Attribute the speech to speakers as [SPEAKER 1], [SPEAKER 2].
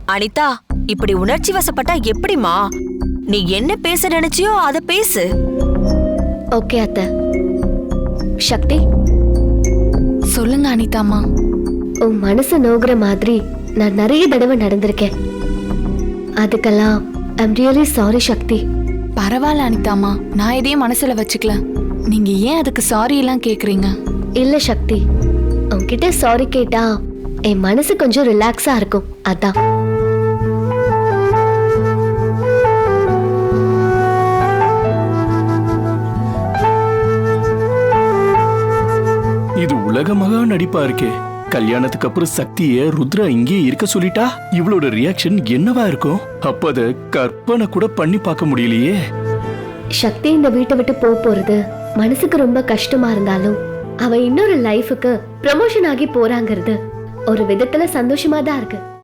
[SPEAKER 1] அனிதா, இப்படி உணர்ச்சி வசப்பட்டா எப்படிமா? நீ என்ன பேச நினைச்சியோ அத பேசு.
[SPEAKER 2] ஓகே அத்தை. சக்தி,
[SPEAKER 3] சொல்லுங்க அனிதாமா.
[SPEAKER 2] உன் மனசு நோகுற மாதிரி நான் நிறைய தடவை நடந்திருக்கேன். அதுக்கெல்லாம் ஐம் ரியலி சாரி சக்தி.
[SPEAKER 3] பரவாயில்ல அனிதாமா, நான் எதையும் மனசுல வச்சுக்கல. நீங்க ஏன் அதுக்கு சாரி எல்லாம் கேக்குறீங்க?
[SPEAKER 2] இல்ல சக்தி, உன்கிட்ட சாரி கேட்டா என் மனசு கொஞ்சம் ரிலாக்ஸா இருக்கும், அதான்.
[SPEAKER 4] இது உலக மகா நடிப்பா இருக்கே. கல்யாணத்துக்கு அப்புறம் சக்திய ருத்ரா இங்கே இருக்க சொல்லிட்டா இவளோட ரியாக்ஷன் என்னவா இருக்கும்? அப்ப அத கற்பனை கூட பண்ணி பார்க்க முடியலையே.
[SPEAKER 2] சக்தி இந்த வீட்டை விட்டு போறது மனசுக்கு ரொம்ப கஷ்டமா இருந்தாலும் அவ இன்னொரு லைஃபுக்கு ப்ரமோஷன் ஆகி போறாங்கிறது ஒரு விதத்துல சந்தோஷமா தான் இருக்கு.